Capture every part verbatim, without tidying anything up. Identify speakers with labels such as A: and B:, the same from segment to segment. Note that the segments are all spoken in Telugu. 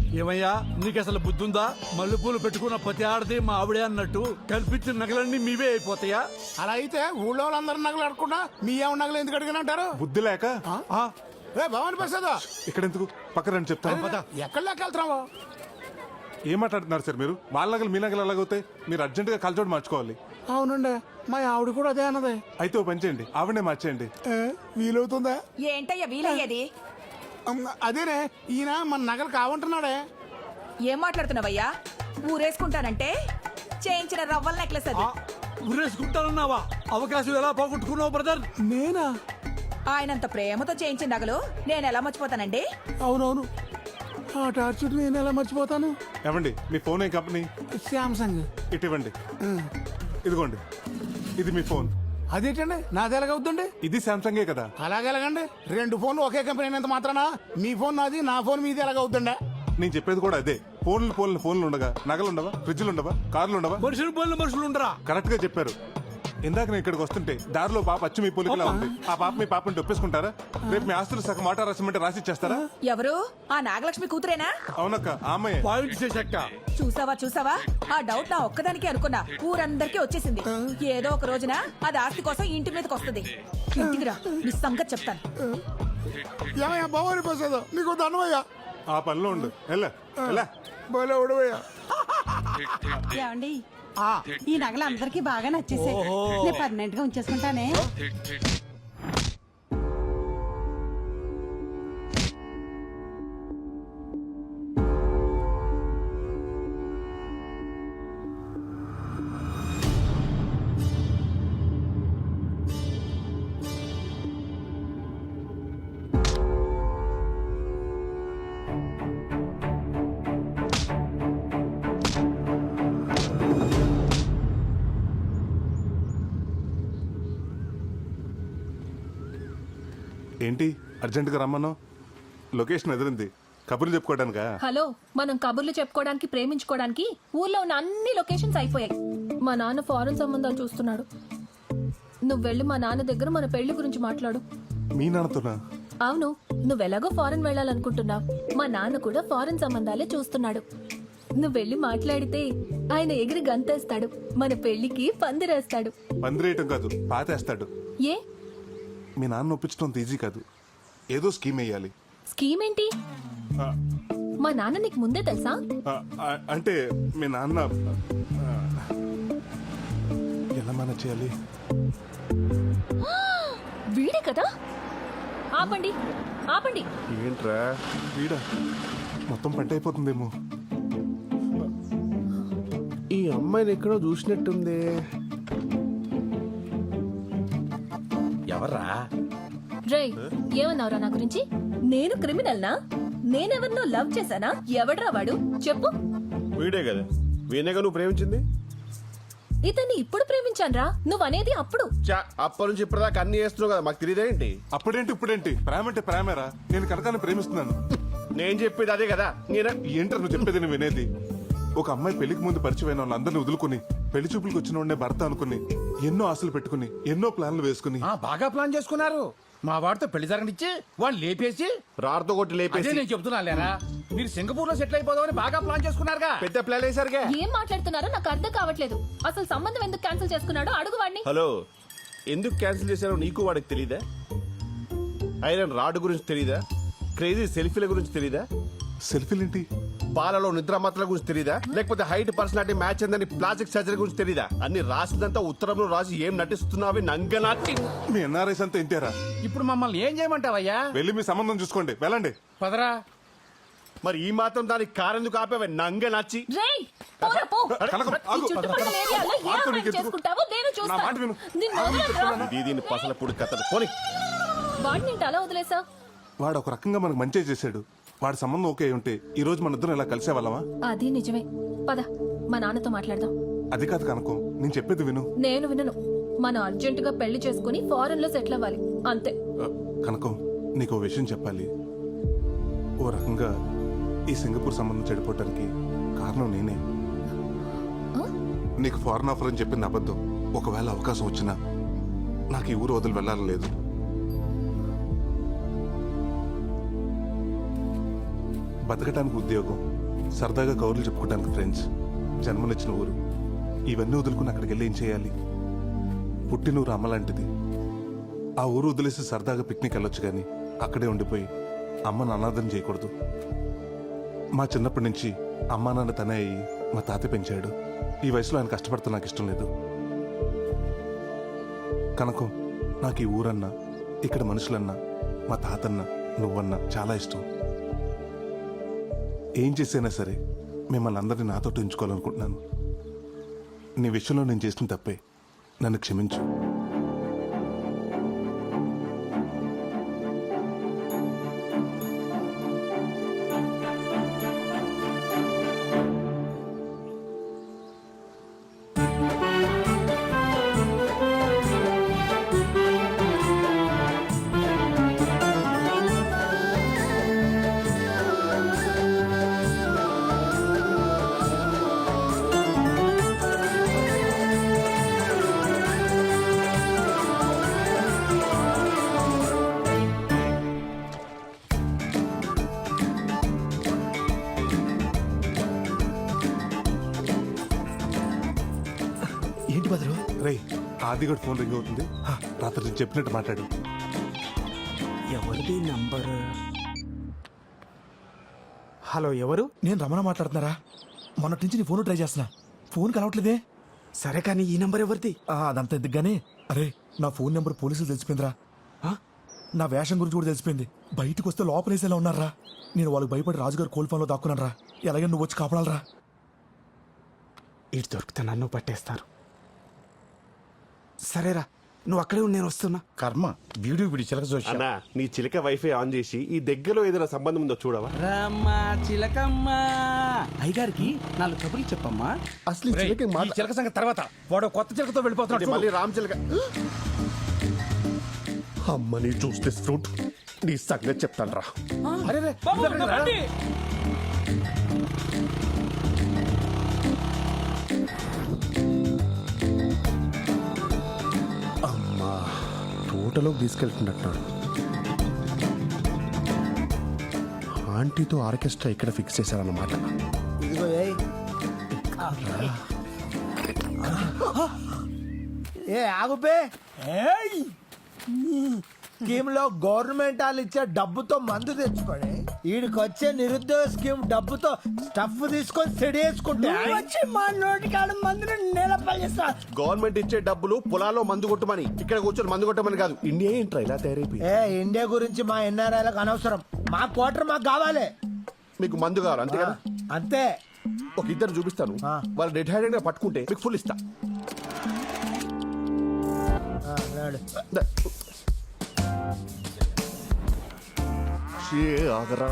A: ఏమయ్యా నీకు అసలు బుద్ధుందా? మల్లెపూలు పెట్టుకున్న ప్రతి ఆడది మా ఆవిడే అన్నట్టు కల్పించిన నగలన్నీ మీవే అయిపోతాయా?
B: అలా అయితే ఊళ్ళో వాళ్ళందరూ నగలు అడగకుండా మీ ఏమో నగలు ఎందుకు అడిగిన అంటారు?
C: బుద్ధి లేక
B: ఆ? ఏ భవాని ప్రసాద్
C: ఇక్కడ ఎందుకు పక్కన రండి చెప్తాను.
B: ఎక్కడ లెక్క వెళ్తున్నావు?
C: ఏం మాట్లాడుతున్నారు సార్ మీరు? వాళ్ళ నగలు మీ నగలు ఎలాగవుతాయి? మీరు అర్జెంట్ గా కలచోడు మార్చుకోవాలి.
B: అవునండి మా ఆవిడ కూడా అదే అన్నది.
C: అయితే ఓ పని చేయండి, ఆవిడనే మార్చేయండి.
B: ఏ, వీలవుతుందా?
D: ఏంటయ్యా వీలయ్యేది?
B: అమ్, అదేనే ఈయన మన నగలు కావంటున్నాడే.
D: ఏం మాట్లాడుతున్నావయ్యా? ఊరేసుకుంటానంటే చేయించిన రవ్వల నెక్లెస్ అది.
A: ఊరేసుకుంటానన్నావా? అవకాశం ఎలా పోగొట్టుకున్నావు బ్రదర్?
B: నేనా?
D: ఆయనంత ప్రేమతో చేయించిన నగలు నేను ఎలా మర్చిపోతానండి?
B: అవునవును, ఆ టార్చర్ నేను ఎలా మర్చిపోతాను?
C: ఏమండి మీ ఫోన్ ఏ కంపెనీ?
B: శాంసంగ్.
C: ఇటు ఇవ్వండి. ఇదిగోండి, ఇది మీ ఫోన్.
B: అదేంటండి నాది ఎలాగవుతుందండి?
C: ఇది సామ్సంగే కదా.
B: అలాగే ఎలాగండి? రెండు ఫోన్లు ఒకే కంపెనీ అయినంత మాత్రానా మీ ఫోన్ నాది నా ఫోన్ మీది ఎలాగవుతుండే?
C: నేను చెప్పేది కూడా అదే. ఫోన్లు ఫోన్లు ఫోన్లు ఉండగా నగలు ఉండవా? ఫ్రిడ్జ్లు ఉండవా? కార్లు ఉండవా?
A: మనుషులు పోలిన మనుషులు ఉండరా?
C: కరెక్ట్ గా చెప్పారు. ఇందాక నేను ఇక్కడికి వస్తుంటే దారిలో పాప అచ్చు మీ పోలికలా ఉంది. ఆ పాప మీ పాపని ఒప్పేసుకుంటారా? రేపు మీ ఆస్తులు సగం మాట రాసిమంటే రాసి ఇచ్చేస్తారా?
D: ఎవరు? ఆ నాగలక్ష్మి కూతురేనా?
C: అవునక్క, ఆమె.
A: పాయింట్ చేశాక
D: చూసావా చూసావా, ఆ డౌట్ నా ఒక్కదానికి అనుకున్నా, ఊరందరికీ వచ్చేసింది. ఏదో ఒక రోజున అది ఆస్తి కోసం ఇంటి మీదకి వస్తుంది. ఇంటికి రా, నీ సంగతి చెప్తాను.
B: ఏమయ్యా భవాని ప్రసాద్, నీకు దండమయ్యా.
C: ఆ పనిలో ఉండు. ఎలా ఎలా
B: భలే ఉడవయ్యా.
E: ఏమండి ఈ నగలు అందరికి బాగా నచ్చేసాయి. నేను పర్మనెంట్ గా ఉంచేసుకుంటానే.
C: ఏంటి అర్జెంట్ గా రమ్మన్నావు? లొకేషన్ ఎదిరింది. కబుర్లు చెప్పుకోవడానికా?
F: హలో, మనం కబుర్లు చెప్పుకోవడానికి, ప్రేమించుకోవడానికి ఊర్లో ఉన్న అన్ని లొకేషన్స్ అయిపోయాయి. మా నాన్న ఫారెన్ సంబంధాలు చూస్తున్నాడు. నువ్వు వెళ్ళి మా నాన్న దగ్గర మన పెళ్లి గురించి మాట్లాడు.
C: మీ నాన్నతోనా?
F: అవును, నువ్వెలాగో ఫారెన్ వెళ్ళాలనుకుంటున్నావు. మా నాన్న కూడా ఫారెన్ సంబంధాలే చూస్తున్నాడు. నువ్వు వెళ్ళి మాట్లాడితే ఆయన ఎగిరి గంతేస్తాడు. మన పెళ్లికి పందిరేస్తాడు.
C: పందిరేయటం కాదు, పాతేస్తాడు.
F: ఏ?
C: మీ నాన్న ఒప్పించడం ఈజీ కాదు. ఏదో స్కీమ్ వేయాలి.
F: స్కీమ్ ఏంటి?
C: ఆ,
F: మా నాన్న నీకు ముందే తెలుసా?
C: ఆ, ఆ, అంటే మీ నాన్న ఆ, ఎలా మేనేజ్ చేయాలి?
F: వీడే కదా. ఆపండి ఆపండి.
C: ఏంట్రా వీడా? మొత్తం పంట అయిపోతుందేమో.
B: ఈ అమ్మాయిని ఎక్కడో చూసినట్టుంది.
G: ఎవర్రా?
F: రే, ఏమన్నావురా నా గురించి? నేను క్రిమినల్నా? నేనెవరినో లవ్ చేశానా? ఎవడ్రా వాడు చెప్పు.
G: వీడే కదా, వీణేగా నువ్వు ప్రేమించింది.
F: ఇతన్ని ఇప్పుడు ప్రేమించాన్రా. నువ్వనేది అప్పుడు.
G: చా, అప్పటి నుంచి ఇప్పటిదాకా అన్ని చేస్తున్నావు కదా, మాకు తెలియదేంటి?
C: అప్పుడేంటి ఇప్పుడేంటి? ప్రేమ అంటే ప్రేమేరా. నేను కనకాన్ని ప్రేమిస్తున్నాను.
G: నేను చెప్పేది అదే కదా. నేనా
C: ఏంటర్ నువ్వు చెప్పేది? నేను వినేది. ఒక అమ్మాయి పెళ్లికి ముందు పరిచయమైన వాళ్ళందరినీ వదులుకుని పెళ్లి చూపులకు వచ్చిన వాడినే భర్త అనుకుని ఎన్నో ఆశలు పెట్టుకుని ఎన్నో ప్లాన్లు వేసుకుని
H: బాగా ప్లాన్ చేసుకున్నారు. మా వాడితో పెళ్లి జరగనిచ్చి వాళ్ళు లేపేసి
G: రాడుతో కొట్టి
H: అదే
G: లేపేసి
H: నేను చెప్తున్నా లేరా, మీరు సింగపూర్ లో సెటిల్ అయిపోదామని బాగా ప్లాన్ చేసుకున్నారుగా.
G: పెద్ద ప్లాన్ వేసారుగా.
F: ఏం మాట్లాడుతున్నారో నాకు అర్థం కావట్లేదు. అసలు సంబంధం ఎందుకు క్యాన్సిల్ చేసుకున్నాడో అడుగు వాడిని.
G: హలో, ఎందుకు క్యాన్సిల్ చేశారో నీకు వాడికి తెలీదా? ఐరన్ రాడ్ గురించి తెలీదా? క్రేజీ సెల్ఫీల గురించి తెలీదా?
C: సెల్ఫీలేంటి?
G: పాలలో నిద్ర మాత్రల గురించి తెలీదా? లేకపోతే హైట్ పర్సనాలిటీ మ్యాచ్ అందని ప్లాస్టిక్ సర్జరీ గురించి తెలీదా? అన్ని రాసిందంతా ఉత్తరంలో రాసి ఏం నటిస్తున్నావి నంగనాటి.
C: మీ ఎన్ఆర్ఐస్ అంతా ఇంతేరా?
H: ఇప్పుడు మమ్మల్ని ఏం చేయమంటావయ్యా?
C: వెళ్ళి మీ సంబంధం చూసుకోండి, వెళ్ళండి.
H: పదరా.
G: మరి ఈ మాత్రం దానికి కారెందుకు ఆపేవే నంగనాచి?
F: రేయ్, పోరా పో.
C: కనకం,
F: ఈ
C: ఆగు.
F: చుట్టుపక్కల ఏరియాలో ఏ
C: ఆగు,
F: అమ్మాయిని
C: నీకెందుకు?
F: చేసుకుంటావో నేను
C: నా
F: చూస్తాను.
C: మాట విను.
F: నిన్ను వదలనురా.
G: దీని పసల పొడి కథలు పోనీ.
F: వాడిని ఏంటి అలా వదిలేసా?
C: వాడు ఒక రకంగా మనకు మంచి చేశాడు. వాడి సంబంధం ఓకే ఉంటే ఈ రోజు మన ఇద్దరం ఇలా కలిసే వాళ్ళమా?
F: అది నిజమే. పద, మా నాన్నతో మాట్లాడదాం.
C: అది కాదు కనకం, నేను చెప్పేది విను.
F: నేను వినను. మనం అర్జెంట్ గా పెళ్లి చేసుకుని ఫారెన్ లో సెటిల్ అవ్వాలి, అంతే.
C: ఆ, కనకం, నీకు ఓ విషయం చెప్పాలి. ఓ రకంగా ఈ సింగపూర్ సంబంధం చెడిపోవటానికి కారణం నేనే. నీకు ఫారెన్ ఆఫర్ అని చెప్పింది అబద్ధం. ఒకవేళ అవకాశం వచ్చినా నాకు ఈ ఊరు వదిలి వెళ్ళాలని లేదు. బతకటానికి ఉద్యోగం, సరదాగా కౌరులు చెప్పుకోవడానికి ఫ్రెండ్స్, జన్మనిచ్చిన ఊరు, ఇవన్నీ వదులుకుని అక్కడికి వెళ్ళి ఏం చేయాలి? పుట్టినూరు అమ్మ లాంటిది. ఆ ఊరు వదిలేసి సరదాగా పిక్నిక్ వెళ్ళొచ్చు కానీ అక్కడే ఉండిపోయి అమ్మను అనాథం చేయకూడదు. మా చిన్నప్పటి నుంచి అమ్మా నాన్న తనే అయ్యి మా తాత పెంచాడు. ఈ వయసులో ఆయన కష్టపడుతూ నాకు ఇష్టం లేదు. కనుక నాకు ఈ ఊరన్నా, ఇక్కడ మనుషులన్నా, మా తాతన్న, నువ్వన్నా చాలా ఇష్టం. ఏం చేసైనా సరే మిమ్మల్ని అందరినీ నాతో ఉంచుకోవాలనుకుంటున్నాను. నీ విషయంలో నేను చేసిన తప్పే, నన్ను క్షమించు.
I: ఏంటి బదులు?
C: రే, ఆదిగడ్ ఫోన్ రింగ్ అవుతుంది. రాత్రి నేను చెప్పినట్టు మాట్లాడు.
I: ఎవరిది నంబర్? హలో, ఎవరు? నేను రమణ మాట్లాడుతున్నారా? మొన్నటి నుంచి నీ ఫోన్ ట్రై చేస్తున్నా, ఫోన్ కలవట్లేదే. సరే కానీ ఈ నంబర్ ఎవరిది? అదంతా ఎందుకు గానీ, అరే నా ఫోన్ నెంబర్ పోలీసులు తెలిసిపోయిందిరా. నా వేషం గురించి కూడా తెలిసిపోయింది. బయటకు వస్తే లోపలేసేలా ఉన్నారా. నేను వాళ్ళకి భయపడి రాజుగారు కోల్ ఫోన్లో దాక్కున్నారా. ఎలాగైనా నువ్వు వచ్చి కాపాడాలరా. ఇటు దొరికితే నన్ను పట్టేస్తారు. సరేరా, నువ్వు అక్కడే ఉండి నేను వస్తున్నా.
G: కర్మ వీడియో వీడి చిలక చూసి అన్నా, నీ చిలక వైఫై ఆన్ చేసి ఈ దగ్గరలో ఏదైనా సంబంధం ఉందో చూడవా?
H: రమ్మా చిలకమ్మ, అయ్యగారికి నాలుగు కబుర్లు చెప్పమ్మా.
G: అసలు ఈ చిలక
H: ఈ చిలక సంగతి తర్వాత, వాడు కొత్త చిలకతో వెళ్ళిపోతున్నాడు.
G: మళ్ళీ రామ్ చిలక. అమ్మని చూస్తే ఫ్రూట్ నీ సంగతి చెప్తాను రా.
H: అరే రే, రండి.
G: అమ్మా, తోటలోకి తీసుకెళ్తున్నట్టున్నాడు. ఆంటీతో ఆర్కెస్ట్రా ఇక్కడ ఫిక్స్ చేశారన్నమాట.
J: ఏ ఆగుపే. స్కీమ్ లో గవర్నమెంట్ వాళ్ళు ఇచ్చే డబ్బుతో మందు తెచ్చుకొని వీడికి వచ్చే నిరుద్యోగ స్కీమ్ డబ్బుతో స్టఫ్ తీసుకొని సెడి వేసుకుంటే వచ్చి మా నోటికాడ మందుని నిలపల్లిస్తా.
G: గవర్నమెంట్ ఇచ్చే డబ్బులు పొలాల్లో మందు కొట్టమని, ఇక్కడ కూర్చొని మందు కొట్టమని కాదు. ఇండియా ఏంట్రా ఇలా తయారైపోయి?
J: ఏ ఇండియా గురించి మా ఎన్ఆర్ఐలకు అనవసరం. మా క్వార్టర్ మాకు కావాలి.
G: మీకు మందు కావాలి అంతే కదా?
J: అంతే.
G: ఒక ఇద్దరు చూపిస్తాను, వాళ్ళు డెడ్ హ్యాండెడ్ గా పట్టుకుంటే మీకు ఫుల్ ఇస్తా.
J: ఆ, నాడు.
G: ద- షే, ఆగరా.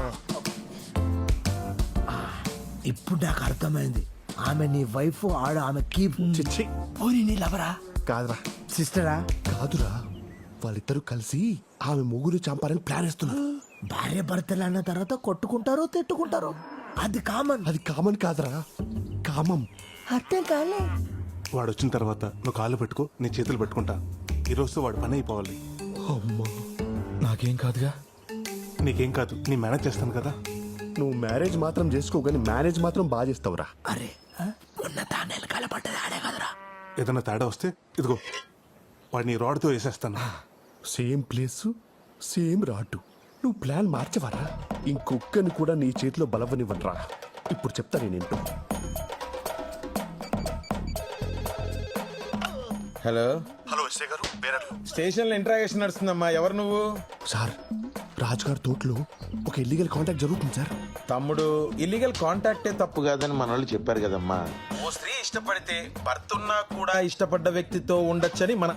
J: ఇప్పుడు నాకు అర్థమైంది. ఆమె నీ వైఫ్, ఆడ ఆమె కీప్.
G: చిచ్చి
J: పోనీ నీ లవరా?
G: కాదురా.
J: సిస్టరా?
G: కాదురా, వాళ్ళిద్దరూ కలిసి ఆమె ముగ్గురు చంపాలని ప్లాన్ వేస్తున్నారు.
J: భార్య భర్తలు అన్న తర్వాత కొట్టుకుంటారు, తిట్టుకుంటారు. అది కామన్.
G: అది కామన్ కాదురా, కామం.
J: అర్థం కాలే.
C: వాడు వచ్చిన తర్వాత నువ్వు కాళ్ళు పెట్టుకో, నీ చేతులు పెట్టుకుంటా. ఈరోజు వాడు పని అయిపోవాలి.
I: అమ్మా, నాకేం కాదుగా.
C: నీకేం కాదు, నీ మేనేజ్ చేస్తాను కదా.
G: నువ్వు మ్యారేజ్ మాత్రం చేసుకో, కానీ మేనేజ్ మాత్రం బాగా చేస్తావురా.
J: అరే మొన్న తానేలు కలపడ్డది ఆడే కదరా.
C: ఏదైనా తేడా వస్తే ఇదిగో వాడిని రాడ్తో వేసేస్తాను.
G: Same place, same route. నువ్వు ప్లాన్ మార్చవరా? ఇంకొక్కని కూడా నీ చేతిలో బలవనివ్వనరా. ఇప్పుడు చెప్తా నేనేంటో.
H: హలో
G: హలో ఎస్ఐ గారు, బేరర్లు.
H: స్టేషన్ లో ఇంట్రాగేషన్ నడుస్తుందమ్మా. ఎవరు నువ్వు?
G: సార్, రాజుగారి తోటలో ఒక ఇల్లీగల్ కాంటాక్ట్ జరుగుతుంది సార్.
H: తమ్ముడు, ఇల్లీగల్ కాంటాక్టే తప్పు కాదని మన వాళ్ళు చెప్పారు కదమ్మా. ఓ స్త్రీ ఇష్టపడితే భర్త ఉన్నా కూడా ఇష్టపడ్డ వ్యక్తితో ఉండొచ్చని మన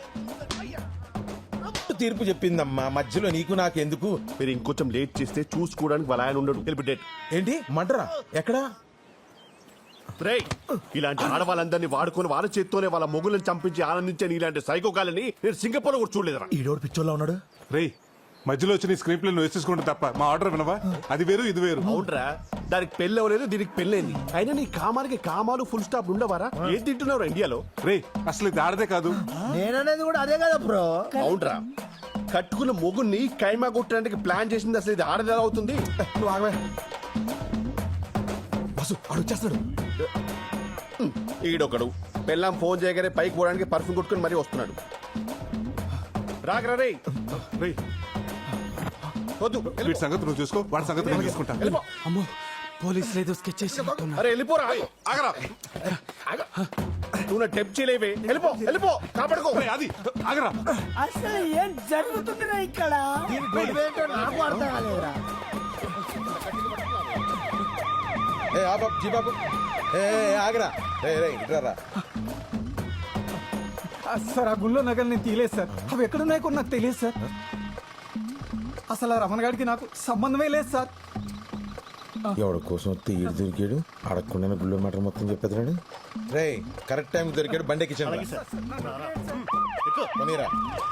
H: తీర్పు చెప్పిందమ్మా. మధ్యలో నీకు నాకు ఎందుకు?
G: మీరు ఇంకొంచెం లేట్ చేస్తే చూసుకోవడానికి వాళ్ళ ఆయన ఉండడు. వెళ్ళి డేట్.
H: ఏంటి మంటరా? ఎక్కడా?
G: రేయ్, ఇలాంటి ఆడవాళ్ళందరినీ వాడుకొని వాళ్ళ చేత్తోనే వాళ్ళ మొగులను చంపించి ఆనందించే ఇలాంటి సైకోకాలని నేను సింగపూర్ లో కూడా చూడలేదురా.
I: ఈడోడు పిచ్చోళ్ళ ఉన్నాడు.
C: రేయ్, మధ్యలో వచ్చి నీ స్క్రీన్ ప్లే నువ్వు వేసేసుకుంటే తప్ప మా ఆర్డర్ వినవా? అది వేరు, ఇది వేరు.
G: అవునరా, దానికి పెళ్ళి అవ్వలేదు, దీనికి పెళ్ళైంది. అయినా నీ కామానికి కామాలు ఫుల్ స్టాప్ ఉండవారా? ఏం తింటున్నావు ఇండియాలో?
C: రేయ్, అసలు ఇది ఆడదే కాదు.
J: నేననేది కూడా అదే కదా బ్రో.
G: అవునరా, కట్టుకున్న మొగుని కైమా కొట్టడానికి ప్లాన్ చేసింది అసలు ఇది ఆడది ఎలా అవుతుంది?
H: నువ్వు ఆగవే.
I: బస్సు వాడు వచ్చేస్తాడు.
G: ఈడొకడు పెళ్ళాం ఫోన్ చేయగానే పైకి పోవడానికి పర్ఫ్యూమ్ కొట్టుకుని మరీ వస్తున్నాడు. రాగరా రే
C: రేయ్,
G: వద్దు
C: వీడి సంగతి నువ్వు చూసుకో, వాడి సంగతి నేను చూసుకుంటా.
G: వెళ్ళిపో.
I: అమ్మో పోలీసులు ఏదో స్కెచ్ చేసి
G: అరే వెళ్ళిపోరా.
C: ఆగరా.
G: ఆగ. నువ్వు నా టెప్ చేయలేవే. వెళ్ళిపో వెళ్ళిపో కాపాడుకో.
C: రేయ్, అది ఆగరా.
J: అసలు ఏం జరుగుతుందిరా ఇక్కడ దీని గొడవేంటో నాకు అర్థం కాలేదురా.
H: ఏ ఆ బాబు జీ బాబు ఏ ఏ, ఆగరా రే రే ఇట్రా.
I: సార్ ఆ గుళ్ళో నగలు నేను తీయలేదు సార్. అవి ఎక్కడున్నాయో కూడా నాకు తెలియదు సార్. అసలు ఆ రమణ గారికి నాకు సంబంధమే లేదు సార్.
H: ఎవడి కోసం వస్తే ఈడు దొరికాడు, అడగకుండా గుళ్ళో మ్యాటర్ మొత్తం చెప్పేదాడు. రే కరెక్ట్ టైం దొరికాడు, బండి ఎక్కించండి. పోనీరా.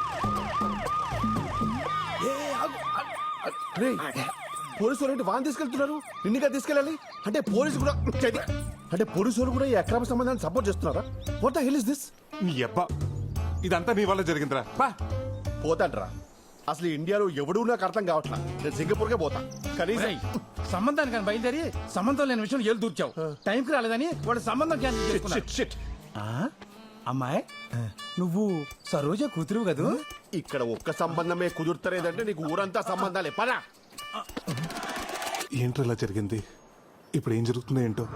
G: రే పోలీసు వాళ్ళు వాన్ తీసుకెళ్తున్నారు, నిన్నుగా తీసుకెళ్ళాలి అంటే పోలీసు కూడా చేతి- అంటే పోలీసు వాళ్ళు కూడా ఈ అక్రమ సంబంధాన్ని సపోర్ట్ చేస్తున్నారా? What the hell is this?
C: నీ అబ్బా, ఇదంతా నీ వల్ల జరిగిందిరా. బా
G: పోతాంట్రా. అసలు ఇండియాలో ఎవడూ నాకు అర్థం కావట్లా. నేను సింగపూర్కే పోతా. కనీసం
B: సంబంధానికి కానీ బయలుదేరి సంబంధం లేని విషయం ఏళ్ళు దూర్చావు. టైంకి రాలేదని వాడు సంబంధం క్యాన్సిల్ చేసుకున్నాడు.
G: Shit, shit.
B: అమ్మాయి నువ్వు సరోజ కూతురు కదూ?
G: ఇక్కడ ఒక్క సంబంధమే కుదురుతలేదంటే నీకు ఊరంతా సంబంధాలే. పదా
C: ఏంట్రా ఇలా జరిగింది? ఇప్పుడు ఏం జరుగుతుందో ఏంటో.